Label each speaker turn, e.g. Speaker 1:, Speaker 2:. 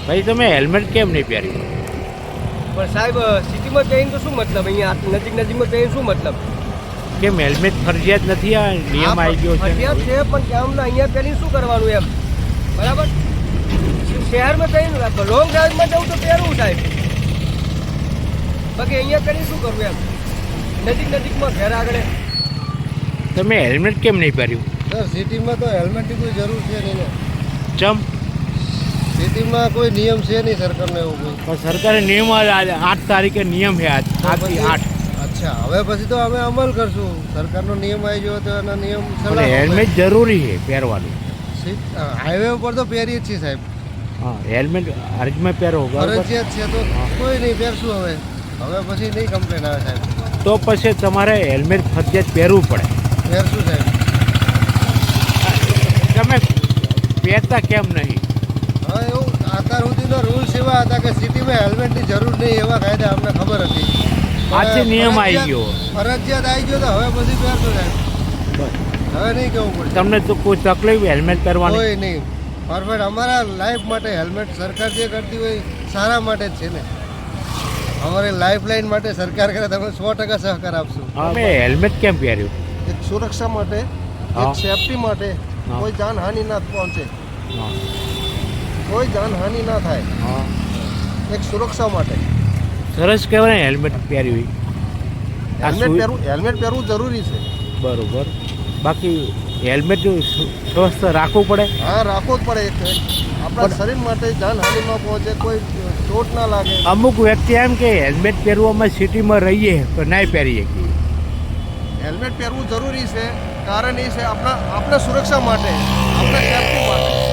Speaker 1: ભાઈ તમે હેલ્મેટ કેમ નહીં પહેર્યું?
Speaker 2: પણ સાહેબ સિટીમાં જઈને તો શું મતલબ, અહીંયા નજીકમાં જઈને શું મતલબ?
Speaker 1: કેમ હેલ્મેટ ફરજિયાત નથી? આ નિયમ આવી ગયો છે.
Speaker 2: ફરજિયાત છે પણ કેમ અહીંયા પહેરીને શું કરવાનું એમ, બરાબર? શહેરમાં જઈને લોંગ ડ્રાઈવમાં જવું તો પહેરવું સાહેબ, બાકી અહીંયા કરીને શું કરવું એમ, નજીકમાં ઘર આગળ.
Speaker 1: તમે હેલ્મેટ કેમ નહીં પહેર્યું?
Speaker 3: સર સિટીમાં તો હેલ્મેટની કોઈ જરૂર છે નહીં ને.
Speaker 1: ચમ?
Speaker 3: સિટીમાં કોઈ નિયમ છે નહીં સરકારનો એવો કોઈ.
Speaker 1: પણ સરકારે નિયમ 8 તારીખે નિયમ છે આજથી 8.
Speaker 3: અચ્છા, હવે પછી તો અમે અમલ કરશું. સરકારનો નિયમ આવી ગયો તો એના નિયમ
Speaker 1: પણ હેલ્મેટ જરૂરી છે પહેરવાનું.
Speaker 3: હાઈવે ઉપર તો પહેરીએ જ છીએ સાહેબ.
Speaker 1: હા, હેલ્મેટ અરજમાં પહેરો.
Speaker 3: ફરજિયાત છે તો કોઈ નહીં પહેરશું. હવે પછી નહીં કમ્પ્લેન આવે સાહેબ.
Speaker 1: તો પછી તમારે હેલ્મેટ ફરજિયાત પહેરવું પડે.
Speaker 3: પહેરશું સાહેબ.
Speaker 1: તમે પહેરતા કેમ નહીં?
Speaker 3: હવે એવું અત્યાર સુધીનો રૂલ્સ એવા હતા કે સિટીમાં હેલ્મેટની જરૂર નહીં એવા કાયદા અમને ખબર હતી.
Speaker 1: આજથી નિયમ આવી ગયો.
Speaker 3: ફરજિયાત આવી ગયો તો હવે પછી પહેરશું સાહેબ. હવે નહીં કેવું પડે.
Speaker 1: તમને તો કોઈ તકલીફ હેલ્મેટ પહેરવાની?
Speaker 3: કોઈ નહીં. પરફેક્ટ અમારા લાઈફ માટે હેલ્મેટ સરકાર જે કરતી હોય સારા માટે જ છે ને. અમારી લાઈફ લાઈન માટે સરકાર કરે તમે 100% સહકાર આપશું.
Speaker 1: તમે હેલ્મેટ કેમ પહેર્યું?
Speaker 3: એક સુરક્ષા માટે, એક સેફટી માટે, કોઈ જાનહાનિ ના પહોંચે, કોઈ જાનહાનિ ના થાય, એક સુરક્ષા માટે
Speaker 1: સરસ કહેવાય હેલ્મેટ પહેર્યું.
Speaker 3: હેલ્મેટ પહેરવું જરૂરી છે.
Speaker 1: બરોબર. બાકી હેલ્મેટ સ્વસ્થ રાખવું પડે.
Speaker 3: હા, રાખવું જ પડે. આપણા શરીર માટે જાનહાનિ ન પહોંચે, કોઈ ચોટ ના લાગે.
Speaker 1: અમુક વ્યક્તિ એમ કે હેલ્મેટ પહેરવામાં સિટીમાં રહીએ તો નહીં પહેરીએ.
Speaker 3: હેલ્મેટ પહેરવું જરૂરી છે. કારણ એ છે આપણા સુરક્ષા માટે, આપણા સેફટી માટે.